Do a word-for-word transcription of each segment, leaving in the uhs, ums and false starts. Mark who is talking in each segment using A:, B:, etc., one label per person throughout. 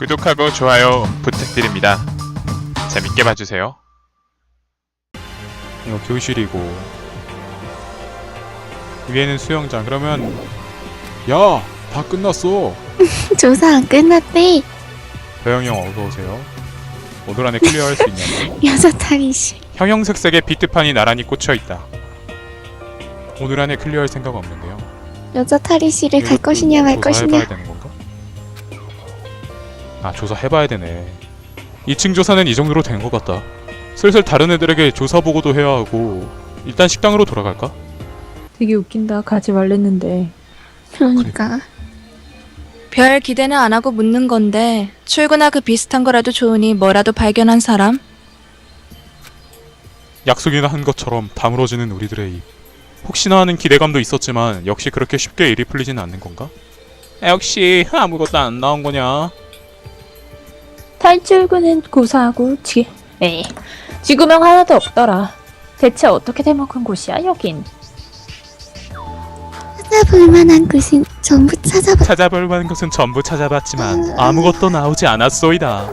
A: 구독하고 좋아요 부탁드립니다. 재밌게 봐주세요. 이거 교실이고 위에는 수영장. 그러면 야! 다 끝났어.
B: 조사 안 끝났대.
A: 배영이 형 어서오세요. 오늘 안에 클리어할 수 있냐고.
B: 여자 탈의실.
A: 형형색색의 비트판이 나란히 꽂혀있다. 오늘 안에 클리어할 생각 없는데요.
B: 여자 탈의실에 갈 것이냐 말 것이냐.
A: 조사해봐야 되는 건가? 아, 조사해봐야 되네. 이 층 조사는 이 정도로 된 것 같다. 슬슬 다른 애들에게 조사 보고도 해야 하고. 일단 식당으로 돌아갈까?
C: 되게 웃긴다. 가지 말랬는데.
B: 그러니까
D: 별 기대는 안 하고 묻는 건데 출구나 그 비슷한 거라도 좋으니 뭐라도 발견한 사람?
A: 약속이나 한 것처럼 다물어지는 우리들의 입. 혹시나 하는 기대감도 있었지만 역시 그렇게 쉽게 일이 풀리지는 않는 건가? 역시 아무것도 안 나온 거냐?
C: 탈출구는 고사하고 지... 에이, 지구명 하나도 없더라. 대체 어떻게 돼먹은 곳이야 여긴?
B: 찾아볼 만한 곳은 전부 찾아봐.
A: 찾아볼 만한 것은 전부 찾아봤지만 아무것도 나오지 않았소이다.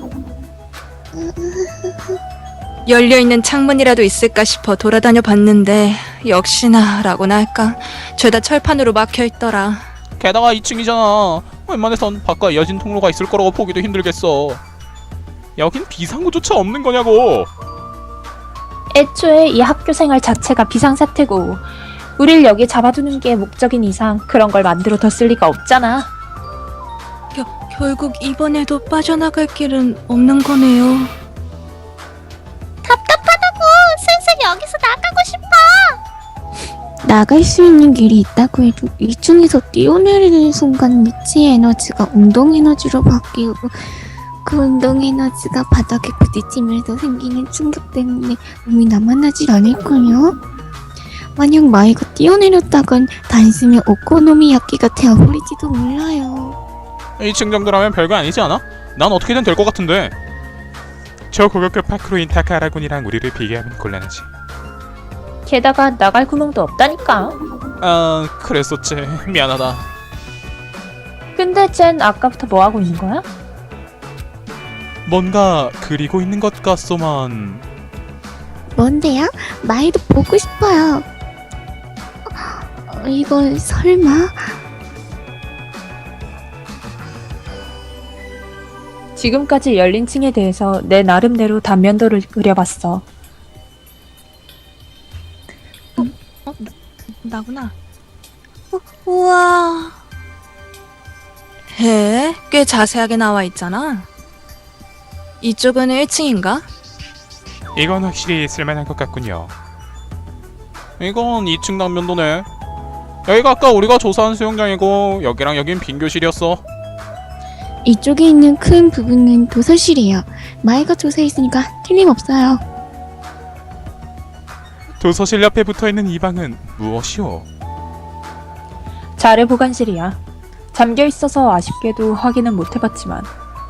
D: 열려있는 창문이라도 있을까 싶어 돌아다녀 봤는데 역시나 라고나 할까 죄다 철판으로 막혀있더라.
A: 게다가 이 층이잖아. 웬만해선 밖과 이어진 통로가 있을 거라고 보기도 힘들겠어. 여긴 비상구조차 없는 거냐고.
C: 애초에 이 학교 생활 자체가 비상사태고 우릴 여기 잡아두는 게 목적인 이상 그런 걸 만들어뒀을 리가 없잖아.
D: 겨, 결국 이번에도 빠져나갈 길은 없는 거네요.
B: 답답하다고. 슬슬 여기서 나가고 싶어. 나갈 수 있는 길이 있다고 해도 이 층에서 뛰어내리는 순간 미치의 에너지가 운동 에너지로 바뀌고 그 운동 에너지가 바닥에 부딪히면서 생기는 충격 때문에 몸이 남아나질 않을걸요? 만약 마이가 뛰어내렸다간 단숨에 오코노미야끼가 되어버릴지도 몰라요.
A: 이 층 정도라면 별거 아니지 않아? 난 어떻게든 될 것 같은데. 저 고격급 파크로인 타카라군이랑 우리를 비교하면 곤란하지.
C: 게다가 나갈 구멍도 없다니까.
A: 아, 그랬었지. 미안하다.
C: 근데 쟨 아까부터 뭐하고 있는 거야?
A: 뭔가 그리고 있는 것 같소만.
B: 뭔데요? 마이도 보고 싶어요. 어, 이걸 설마?
C: 지금까지 열린 층에 대해서 내 나름대로 단면도를 그려봤어.
D: 어? 나, 나구나. 어, 우와. 해, 꽤 자세하게 나와 있잖아. 이쪽은 일 층인가?
A: 이건 확실히 쓸만한 것 같군요. 이건 이 층 단면도네. 여기가 아까 우리가 조사한 수영장이고 여기랑 여긴 빈 교실이었어.
B: 이쪽에 있는 큰 부분은 도서실이에요. 마이가 조사했으니까 틀림없어요.
A: 도서실 옆에 붙어있는 이 방은 무엇이오?
C: 자료 보관실이야. 잠겨 있어서 아쉽게도 확인은 못 해봤지만.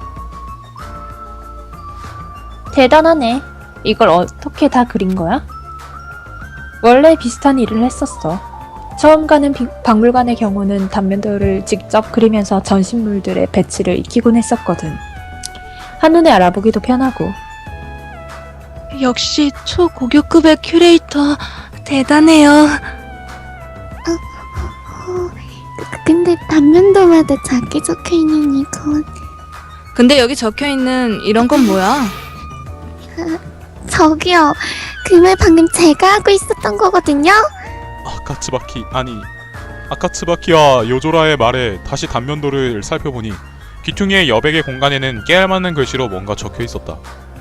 C: 대단하네. 이걸 어떻게 다 그린 거야? 원래 비슷한 일을 했었어. 처음 가는 비, 박물관의 경우는 단면도를 직접 그리면서 전신물들의 배치를 익히곤 했었거든. 한눈에 알아보기도 편하고.
D: 역시 초고교급의 큐레이터 대단해요.
B: 어, 그- 근데 단면도마다 작게 적혀있는 이건
D: 근데 여기 적혀있는 이런 건 뭐야?
B: 저기요. 그 말 방금 제가 하고 있었던 거거든요.
A: 아카츠바키 아니 아카츠바키와 요조라의 말에 다시 단면도를 살펴보니 귀퉁이의 여백의 공간에는 깨알맞는 글씨로 뭔가 적혀 있었다.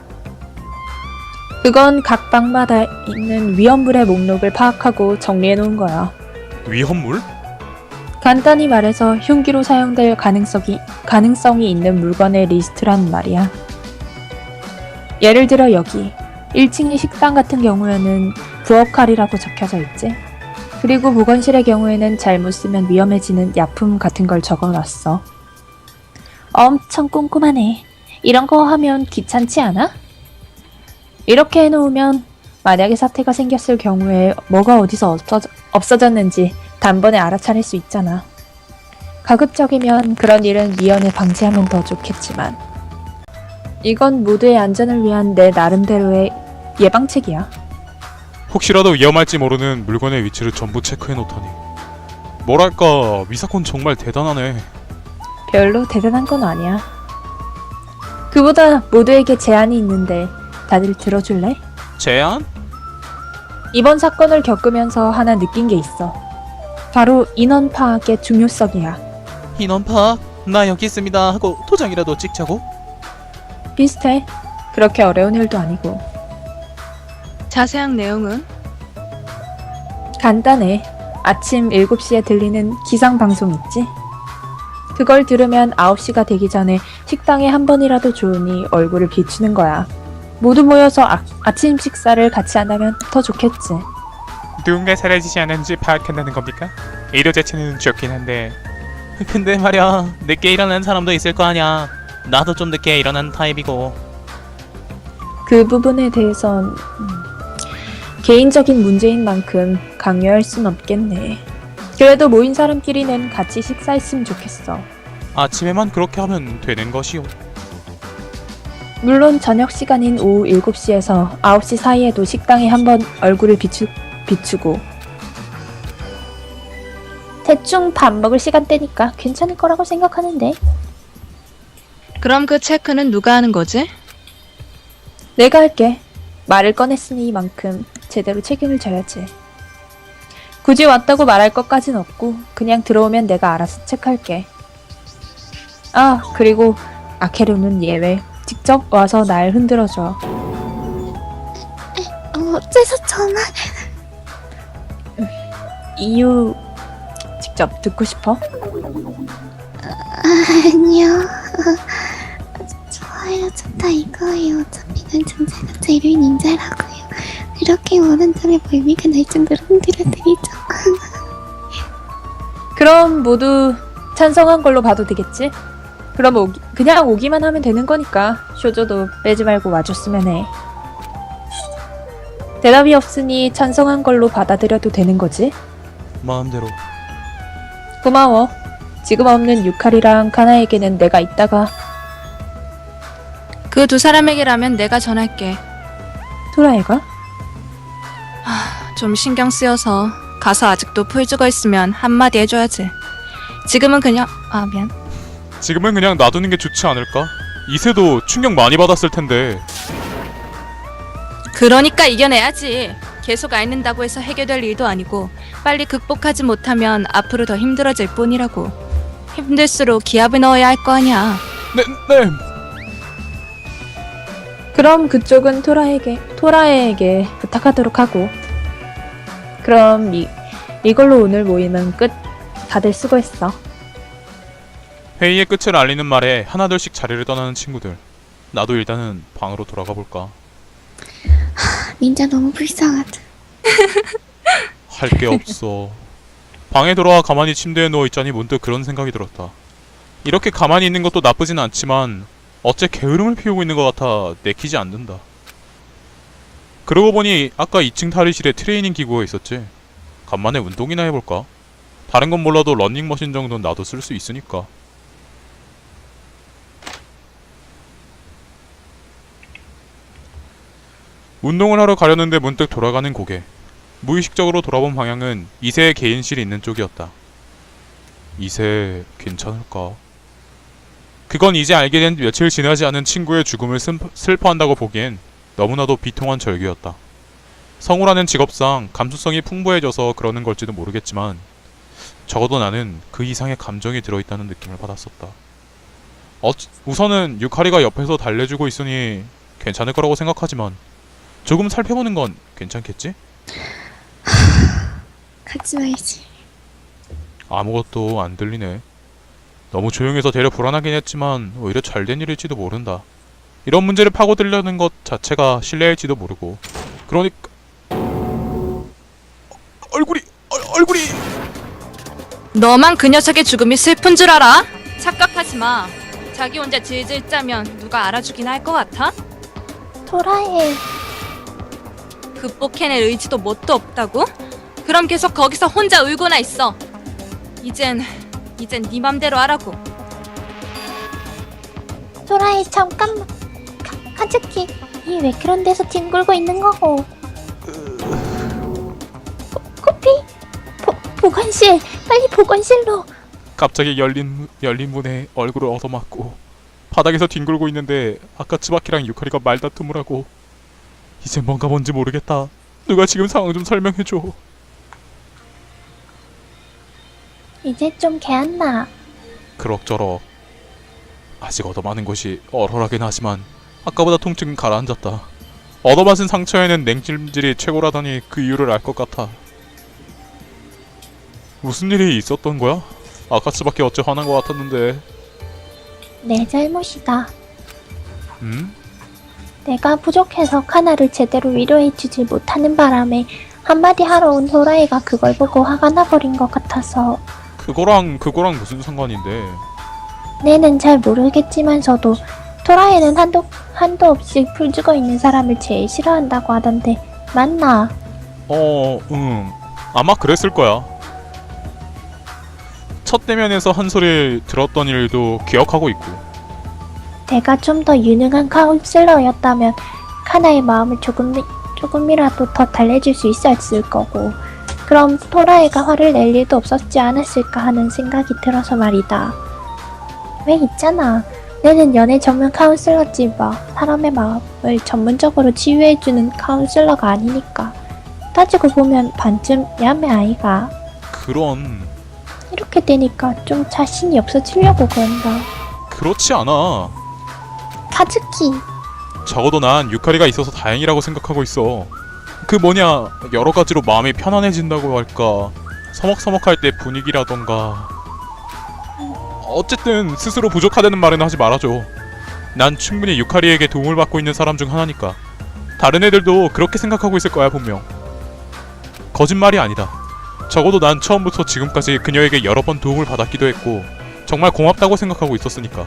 C: 그건 각 방마다 있는 위험물의 목록을 파악하고 정리해 놓은 거야.
A: 위험물?
C: 간단히 말해서 흉기로 사용될 가능성이, 가능성이 있는 물건의 리스트란 말이야. 예를 들어 여기 일 층의 식당 같은 경우에는 부엌칼이라고 적혀져 있지. 그리고 보건실의 경우에는 잘못 쓰면 위험해지는 약품 같은 걸 적어놨어. 엄청 꼼꼼하네. 이런 거 하면 귀찮지 않아? 이렇게 해놓으면 만약에 사태가 생겼을 경우에 뭐가 어디서 없어져, 없어졌는지 단번에 알아차릴 수 있잖아. 가급적이면 그런 일은 미연에 방지하면 더 좋겠지만 이건 모두의 안전을 위한 내 나름대로의 예방책이야.
A: 혹시라도 위험할지 모르는 물건의 위치를 전부 체크해 놓다니. 뭐랄까, 미사콘 정말 대단하네.
C: 별로 대단한 건 아니야. 그보다 모두에게 제안이 있는데 다들 들어줄래?
A: 제안?
C: 이번 사건을 겪으면서 하나 느낀 게 있어. 바로 인원 파악의 중요성이야.
A: 인원 파악? 나 여기 있습니다 하고 도장이라도 찍자고?
C: 비슷해. 그렇게 어려운 일도 아니고.
D: 자세한 내용은?
C: 간단해. 아침 일곱 시에 들리는 기상방송 있지? 그걸 들으면 아홉 시가 되기 전에 식당에 한 번이라도 좋으니 얼굴을 비추는 거야. 모두 모여서 아, 아침 식사를 같이 한다면 더 좋겠지.
A: 누군가 사라지지 않았는지 파악한다는 겁니까? 의료 자체는 좋긴 한데 근데 말야, 늦게 일어나는 사람도 있을 거 아냐. 나도 좀 늦게 일어나는 타입이고.
C: 그 부분에 대해선 음, 개인적인 문제인 만큼 강요할 순 없겠네. 그래도 모인 사람끼리는 같이 식사했으면 좋겠어.
A: 아침에만 그렇게 하면 되는 것이오.
C: 물론 저녁 시간인 오후 일곱 시에서 아홉 시 사이에도 식당에 한번 얼굴을 비추, 비추고 대충 밥 먹을 시간대니까 괜찮을 거라고 생각하는데.
D: 그럼 그 체크는 누가 하는 거지?
C: 내가 할게. 말을 꺼냈으니만큼 제대로 책임을 져야지. 굳이 왔다고 말할 것까진 없고 그냥 들어오면 내가 알아서 체크할게. 아, 그리고 아케루는 예외. 직접 와서 날 흔들어줘.
B: 어째서 전화?
C: 이유 직접 듣고 싶어?
B: 아니요. 좋아요, 좋다 이거예요. 어차피 난 존재가 제일 닌자라고요. 그렇게 원한다면 멀미가 날 정도로 흔들어드리죠.
C: 그럼 모두 찬성한 걸로 봐도 되겠지? 그럼 오기, 그냥 오기만 하면 되는 거니까 쇼조도 빼지 말고 와줬으면 해. 대답이 없으니 찬성한 걸로 받아들여도 되는 거지?
A: 마음대로.
C: 고마워. 지금 없는 유칼이랑 카나에게는 내가 이따가.
D: 그 두 사람에게라면 내가 전할게.
C: 토라에가?
D: 좀 신경 쓰여서 가서 아직도 풀 죽어 있으면 한마디 해줘야지. 지금은 그냥 아 미안.
A: 지금은 그냥 놔두는 게 좋지 않을까? 이세도 충격 많이 받았을 텐데.
D: 그러니까 이겨내야지. 계속 앓는다고 해서 해결될 일도 아니고 빨리 극복하지 못하면 앞으로 더 힘들어질 뿐이라고. 힘들수록 기합을 넣어야 할 거 아니야.
A: 네, 네.
C: 그럼 그쪽은 토라에게, 토라에게 부탁하도록 하고. 그럼 이, 이걸로 오늘 모임은 끝. 다들 수고했어.
A: 회의의 끝을 알리는 말에 하나둘씩 자리를 떠나는 친구들. 나도 일단은 방으로 돌아가 볼까.
B: 닌자 너무 불쌍하다.
A: 할 게 없어. 방에 돌아와 가만히 침대에 누워 있자니 문득 그런 생각이 들었다. 이렇게 가만히 있는 것도 나쁘진 않지만 어째 게으름을 피우고 있는 것 같아 내키지 않는다. 그러고 보니 아까 이 층 탈의실에 트레이닝 기구가 있었지. 간만에 운동이나 해볼까? 다른 건 몰라도 러닝머신 정도는 나도 쓸 수 있으니까. 운동을 하러 가려는데 문득 돌아가는 고개. 무의식적으로 돌아본 방향은 이세의 개인실이 있는 쪽이었다. 이세 괜찮을까? 그건 이제 알게 된 며칠 지나지 않은 친구의 죽음을 슬퍼, 슬퍼한다고 보기엔 너무나도 비통한 절규였다. 성우라는 직업상 감수성이 풍부해져서 그러는 걸지도 모르겠지만 적어도 나는 그 이상의 감정이 들어있다는 느낌을 받았었다. 어, 우선은 유카리가 옆에서 달래주고 있으니 괜찮을 거라고 생각하지만 조금 살펴보는 건 괜찮겠지?
B: 가지 말지.
A: 아무것도 안 들리네. 너무 조용해서 되려 불안하긴 했지만 오히려 잘된 일일지도 모른다. 이런 문제를 파고들려는 것 자체가 실례일지도 모르고. 그러니까 얼굴이 얼, 얼굴이
D: 너만 그 녀석의 죽음이 슬픈 줄 알아? 착각하지 마. 자기 혼자 질질 짜면 누가 알아주긴 할 것 같아?
B: 토라에.
D: 극복해낼 의지도 뭣도 없다고? 그럼 계속 거기서 혼자 울고나 있어. 이젠 이젠 네 맘대로 하라고.
B: 토라이 잠깐만. 카, 카즈키, 이 왜 그런 데서 뒹굴고 있는 거고? 코, 코피? 보, 보건실! 빨리 보건실로!
A: 갑자기 열린 열린 문에 얼굴을 얻어맞고 바닥에서 뒹굴고 있는데 아까 츠바키랑 유카리가 말다툼을 하고 이제 뭔가 뭔지 모르겠다. 누가 지금 상황 좀 설명해줘.
B: 이제 좀 개안나.
A: 그럭저럭. 아직 얻어맞은 곳이 얼얼하긴 하지만 아까보다 통증은 가라앉았다. 얻어맞은 상처에는 냉찜질이 최고라더니 그 이유를 알 것 같아. 무슨 일이 있었던 거야? 아까츠밖에 어째 화난 것 같았는데.
B: 내 잘못이다.
A: 음?
B: 내가 부족해서 카나를 제대로 위로해주질 못하는 바람에 한마디 하러 온 호라이가 그걸 보고 화가 나버린 것 같아서.
A: 그거랑 그거랑 무슨 상관인데?
B: 내는 잘 모르겠지만서도 토라이는 한도, 한도 없이 풀 죽어 있는 사람을 제일 싫어한다고 하던데 맞나?
A: 어, 응. 아마 그랬을 거야. 첫 대면에서 한 소리 들었던 일도 기억하고 있고.
B: 내가 좀 더 유능한 카운슬러였다면 카나의 마음을 조금, 조금이라도 더 달래줄 수 있었을 거고, 그럼 토라이가 화를 낼 일도 없었지 않았을까 하는 생각이 들어서 말이다. 왜 있잖아. 내는 연애 전문 카운슬러지 뭐 사람의 마음을 전문적으로 치유해주는 카운슬러가 아니니까. 따지고 보면 반쯤 야매 아이가.
A: 그런...
B: 이렇게 되니까 좀 자신이 없어지려고 그런다.
A: 그렇지 않아.
B: 카즈키.
A: 적어도 난 유카리가 있어서 다행이라고 생각하고 있어. 그 뭐냐, 여러 가지로 마음이 편안해진다고 할까, 서먹서먹할 때 분위기라던가. 어쨌든 스스로 부족하다는 말은 하지 말아줘. 난 충분히 유카리에게 도움을 받고 있는 사람 중 하나니까. 다른 애들도 그렇게 생각하고 있을 거야 분명. 거짓말이 아니다. 적어도 난 처음부터 지금까지 그녀에게 여러 번 도움을 받았기도 했고 정말 고맙다고 생각하고 있었으니까.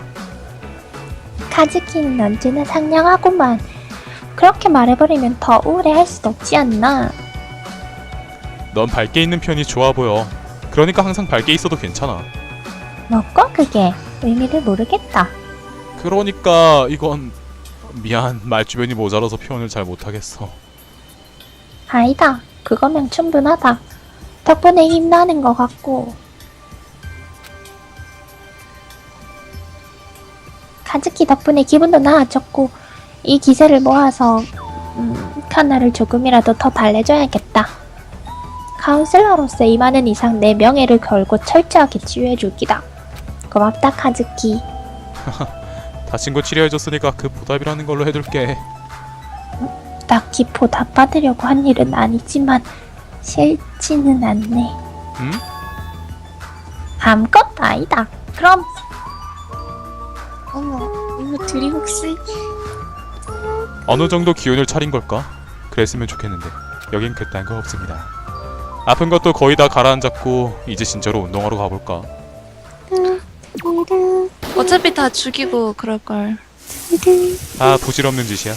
B: 카즈키는 언제나 상냥하구만. 그렇게 말해버리면 더 우울해할 수도 없지 않나.
A: 넌 밝게 있는 편이 좋아 보여. 그러니까 항상 밝게 있어도 괜찮아.
B: 뭐고 그게? 의미를 모르겠다.
A: 그러니까 이건... 미안, 말주변이 모자라서 표현을 잘 못하겠어.
B: 아니다. 그거면 충분하다. 덕분에 힘나는 것 같고. 카즈키 덕분에 기분도 나아졌고, 이 기세를 모아서 음, 카나를 조금이라도 더 달래줘야겠다. 카운슬러로서 이 많은 이상 내 명예를 걸고 철저하게 치유해줄 기다. 고맙다 카즈키.
A: 다친 거 치료해줬으니까 그 보답이라는 걸로 해둘게.
B: 딱히 보답 받으려고 한 일은 아니지만 싫지는 않네.
A: 응?
B: 아무것도 아니다. 그럼. 어머, 이거 둘이 혹시
A: 어느 정도 기운을 차린 걸까? 그랬으면 좋겠는데 여긴 그딴 거 없습니다. 아픈 것도 거의 다 가라앉았고 이제 진짜로 운동하러 가볼까?
D: 어차피 다 죽이고 그럴걸.
A: 아, 부질없는 짓이야.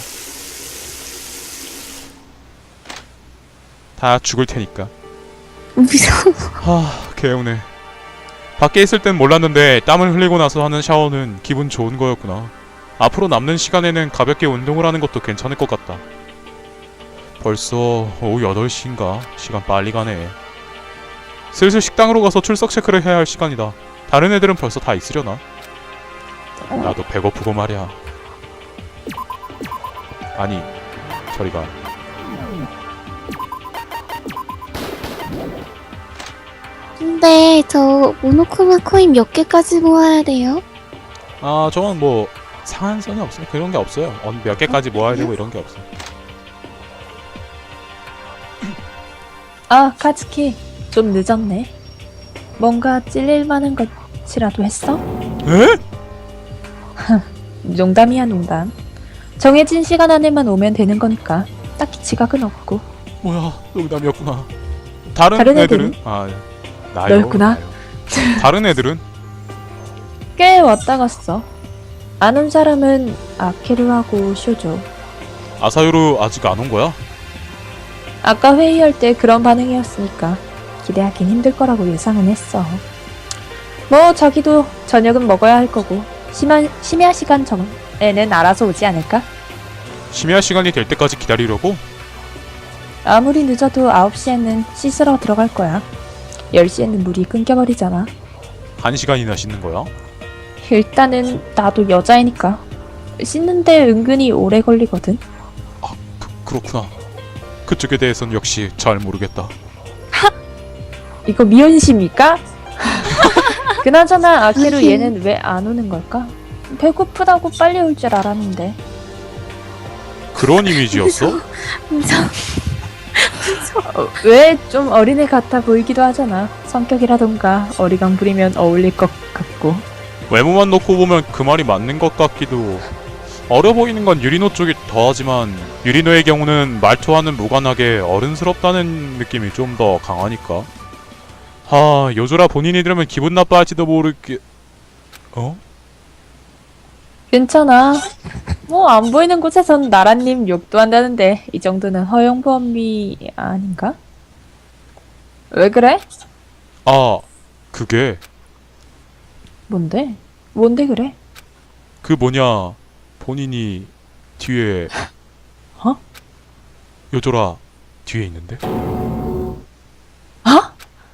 A: 다 죽을 테니까.
B: 무서워.
A: 하, 개운해. 밖에 있을 땐 몰랐는데 땀을 흘리고 나서 하는 샤워는 기분 좋은 거였구나. 앞으로 남는 시간에는 가볍게 운동을 하는 것도 괜찮을 것 같다. 벌써 오후 여덟 시인가? 시간 빨리 가네. 슬슬 식당으로 가서 출석 체크를 해야 할 시간이다. 다른 애들은 벌써 다 있으려나? 나도 배고프고 말이야. 아니, 저리가.
B: 근데 저 모노크마 코인 몇 개까지 모아야 돼요?
A: 아, 저건 뭐 상한선이 없어요. 그런 게 없어요. 어, 몇 개까지 모아야 되고 이런 게 없어.
C: 아, 카즈키. 좀 늦었네. 뭔가 찔릴 만한 것이라도 했어?
A: 에?
C: 농담이야, 농담. 정해진 시간 안에만 오면 되는 거니까 딱히 지각은 없고.
A: 뭐야, 농담이었구나. 다른,
C: 다른
A: 애들은?
C: 애들은?
A: 아, 나요.
C: 너였구나.
A: 다른 애들은?
C: 꽤 왔다 갔어. 안 온 사람은 아케루하고 쇼조.
A: 아사요루 아직 안 온 거야?
C: 아까 회의할 때 그런 반응이었으니까 기대하긴 힘들 거라고 예상은 했어. 뭐 자기도 저녁은 먹어야 할 거고 심야, 심야 시간 전에는 알아서 오지 않을까?
A: 심야 시간이 될 때까지 기다리려고?
C: 아무리 늦어도 아홉 시에는 씻으러 들어갈 거야. 열 시에는 물이 끊겨버리잖아.
A: 한 시간이나 씻는 거야?
C: 일단은 나도 여자이니까 씻는데 은근히 오래 걸리거든.
A: 그, 그렇구나. 그쪽에 대해선 역시 잘 모르겠다.
C: 이거 미연씨입니까? 그나저나 아케루
B: 아니.
C: 얘는 왜 안 오는 걸까? 배고프다고 빨리 올 줄 알았는데.
A: 그런 이미지였어?
B: 무서워.
C: 어, 왜 좀 어린애 같아 보이기도 하잖아. 성격이라던가 어리광 부리면 어울릴 것 같고.
A: 외모만 놓고 보면 그 말이 맞는 것 같기도. 어려 보이는 건 유리노 쪽이 더하지만 유리노의 경우는 말투와는 무관하게 어른스럽다는 느낌이 좀 더 강하니까. 하, 요조라 본인이 들으면 기분 나빠할지도 모르게... 어?
C: 괜찮아. 뭐 안 보이는 곳에선 나라님 욕도 한다는데 이 정도는 허용 범위 아닌가? 왜 그래?
A: 아, 그게
C: 뭔데? 뭔데 그래?
A: 그 뭐냐, 본인이 뒤에...
C: 어?
A: 요조라 뒤에 있는데?
C: 어?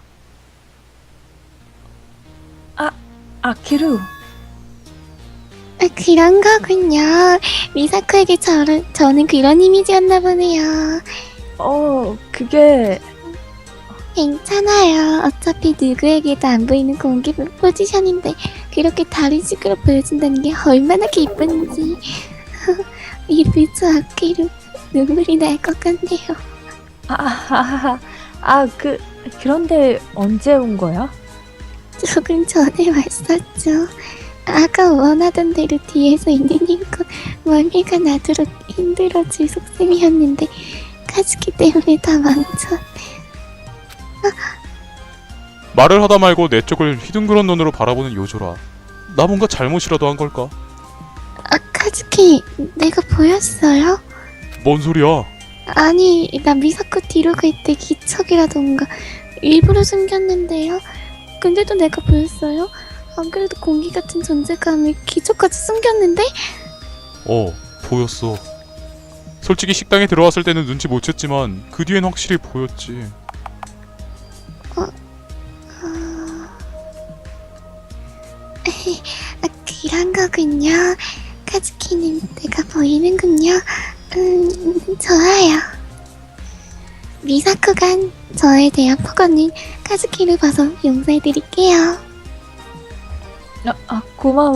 C: 아, 아키루.
B: 아, 그런 거군요. 미사코에게 저는, 저는 그런 이미지였나 보네요.
C: 어, 그게
B: 괜찮아요. 어차피 누구에게도 안 보이는 공개 포지션인데 그렇게 다른 식으로 보여준다는 게 얼마나 기쁜지. 이 부츠 아끼로 눈물이 날 것 같네요.
C: 아, 아, 아, 아, 그 그런데 언제 온 거야?
B: 조금 전에 왔었죠. 아까 원하던 대로 뒤에서 있는 힘껏 멀미가 나도록 힘들어질 속셈이었는데 카즈키 때문에 다 망쳐.
A: 말을 하다 말고 내 쪽을 휘둥그런 눈으로 바라보는 요조라. 나 뭔가 잘못이라도 한 걸까?
B: 아, 카즈키, 내가 보였어요?
A: 뭔 소리야?
B: 아니, 나 미사코 뒤로 갈 때 기척이라던가 일부러 숨겼는데요. 근데도 내가 보였어요? 안 그래도 공기 같은 존재감을 기척까지 숨겼는데?
A: 어, 보였어. 솔직히 식당에 들어왔을 때는 눈치 못 챘지만 그 뒤엔 확실히 보였지.
B: 아, 그런 거군요. 카즈키는 내가 보이는군요. 음, 좋아요. 미사코가 저에 대한 폭언은 카즈키를 봐서 용서해드릴게요.
C: 아, 아 고마워.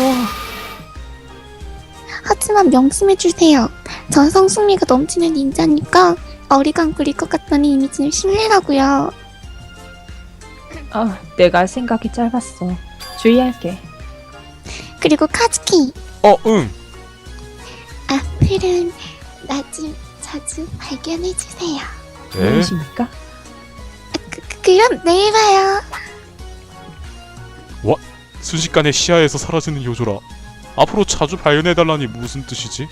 B: 하지만 명심해주세요. 전 성숙미가 넘치는 닌자니까 어리광 부릴 것 같다는 이미지는 신뢰라고요.
C: 아, 내가 생각이 짧았어. 주의할게.
B: 그리고 카즈키,
A: 어, 응.
B: 앞으로는 나 좀 자주 발견해주세요.
A: 에?
C: 무엇입니까?
B: 그, 그, 그럼 내일 봐요.
A: 순식간에 시야에서 사라지는 요조라. 앞으로 자주 발견해달라니 무슨 뜻이지?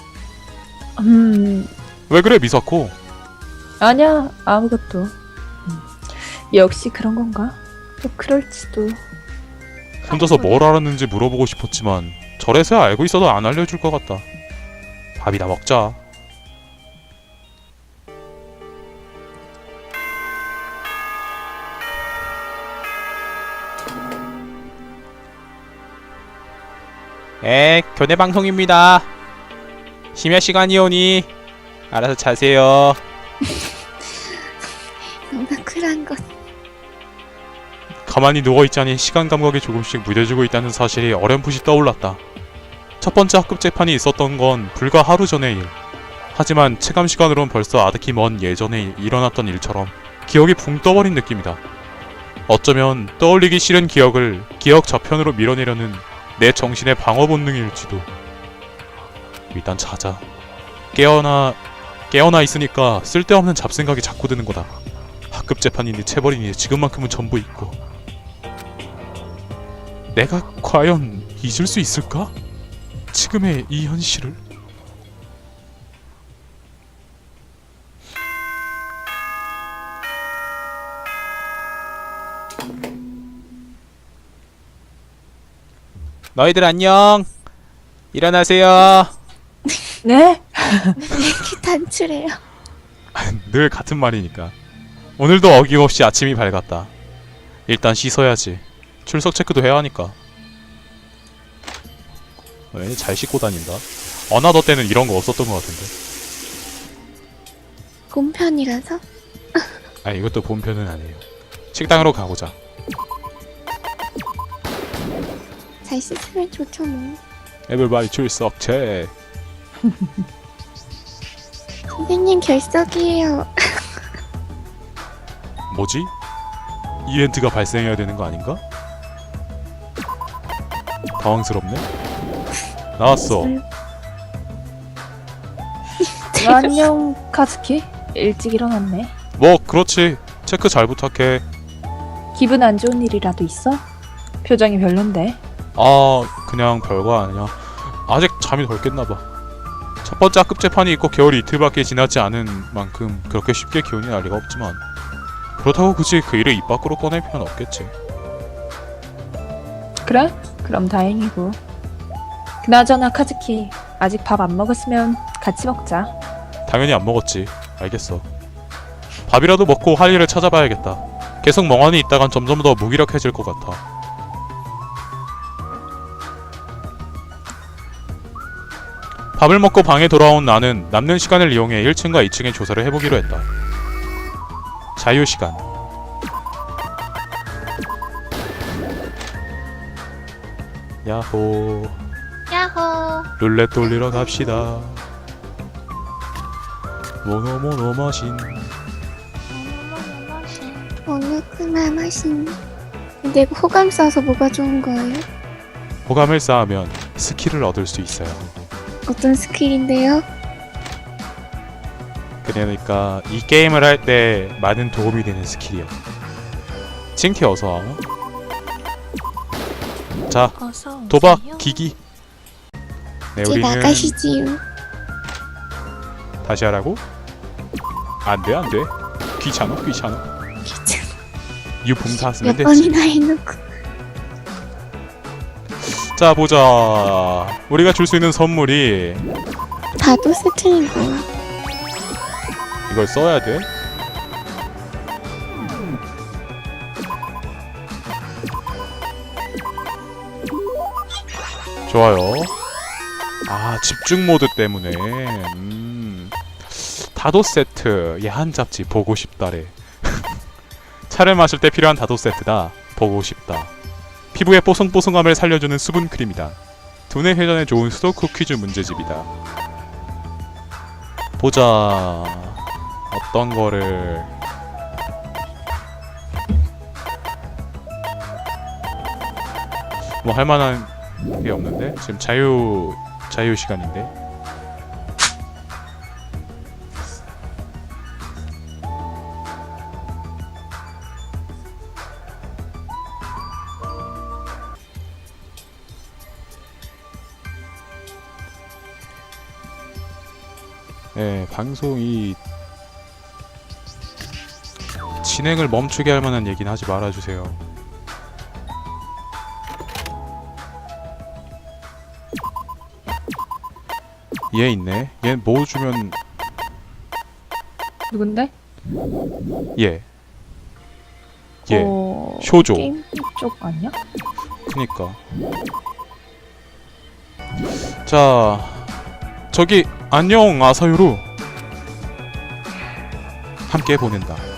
C: 음,
A: 왜 그래, 미사코?
C: 아니야, 아무것도. 음, 역시 그런 건가? 또 그럴지도.
A: 혼자서 뭘 알았는지 물어보고 싶었지만 저래서야 알고 있어도 안 알려줄 것 같다. 밥이나 먹자.
E: 에, 교내 방송입니다. 심야 시간이오니 알아서 자세요.
B: 너무 쿨한 것.
A: 가만히 누워있자니 시간 감각이 조금씩 무뎌지고 있다는 사실이 어렴풋이 떠올랐다. 첫 번째 학급 재판이 있었던 건 불과 하루 전의 일. 하지만 체감 시간으론 벌써 아득히 먼 예전에 일어났던 일처럼 기억이 붕 떠버린 느낌이다. 어쩌면 떠올리기 싫은 기억을 기억 저편으로 밀어내려는 내 정신의 방어 본능일지도. 일단 자자. 깨어나 깨어나 있으니까 쓸데없는 잡생각이 자꾸 드는 거다. 학급 재판이니 체벌이니 지금만큼은 전부 잊고. 내가 과연 잊을 수 있을까? 지금의 이 현실을?
E: 너희들 안녕. 일어나세요.
C: 네?
B: 이렇게 단출해요.
A: 늘 같은 말이니까. 오늘도 어김없이 아침이 밝았다. 일단 씻어야지. 출석 체크도 해야 하니까. 왜 잘 씻고 다닌다. 어나더 때는 이런 거 없었던 것 같은데.
B: 곰편이라서?
A: 아 이것도 본편은 아니에요. 식당으로 가보자.
B: 잘 씻으면 좋죠 뭐.
A: 에블바이 출석 체.
B: 선생님 결석이에요.
A: 뭐지? 이벤트가 발생해야 되는 거 아닌가? 당황스럽네. 나왔어.
C: 안녕 카즈키. 일찍 일어났네.
A: 뭐 그렇지. 체크 잘 부탁해.
C: 기분 안 좋은 일이라도 있어? 표정이 별론데.
A: 아 그냥 별거 아니야. 아직 잠이 덜 깼나봐. 첫 번째 학급 재판이 있고 겨울이 이틀밖에 지나지 않은 만큼 그렇게 쉽게 기운이 날 리가 없지만 그렇다고 굳이 그 일을 입 밖으로 꺼낼 필요는 없겠지.
C: 그래? 그럼 다행이고. 그나저나 카즈키, 아직 밥 안 먹었으면 같이 먹자.
A: 당연히 안 먹었지. 알겠어. 밥이라도 먹고 할 일을 찾아봐야겠다. 계속 멍하니 있다간 점점 더 무기력해질 것 같아. 밥을 먹고 방에 돌아온 나는 남는 시간을 이용해 일 층과 이 층의 조사를 해보기로 했다. 자유시간. 야호.
B: 야호.
A: 룰렛 돌리러 갑시다. 모노모노 머신.
B: 어느 그날 마신. 근데 호감 써서 뭐가 좋은 거예요?
A: 호감을 쌓으면 스킬을 얻을 수 있어요.
B: 어떤 스킬인데요?
A: 그러니까 이 게임을 할 때 많은 도움이 되는 스킬이야. 칭티 어서. 자,
D: 어서
A: 도박
D: 오세요.
A: 기기. 네,
B: 이제
A: 우리는
B: 나가시지요.
A: 다시 하라고? 안돼 안돼. 귀찮아 귀찮아.
B: 귀찮아.
A: 유품 다 쓰면
B: 몇
A: 됐지.
B: 번이나 해놓고.
A: 자 보자. 우리가 줄 수 있는 선물이
B: 다도 세트인 거야.
A: 이걸 써야 돼. 좋아요. 아 집중 모드 때문에 음. 다도 세트 야한 잡지 보고 싶다래. 차를 마실 때 필요한 다도 세트다. 보고 싶다. 피부의 뽀송뽀송함을 살려주는 수분 크림이다. 두뇌 회전에 좋은 수도쿠 퀴즈 문제집이다. 보자. 어떤 거를 뭐 할만한 게 없는데 지금 자유 자유 시간인데. 네, 방송이 진행을 멈추게 할 만한 얘기는 하지 말아주세요. 얘 있네. 얘 뭐 주면
C: 누군데?
A: 얘. 얘.
C: 어...
A: 쇼조.
C: 게임 쪽 아니야?
A: 그니까. 자, 저기 안녕 아사유루. 함께 보낸다.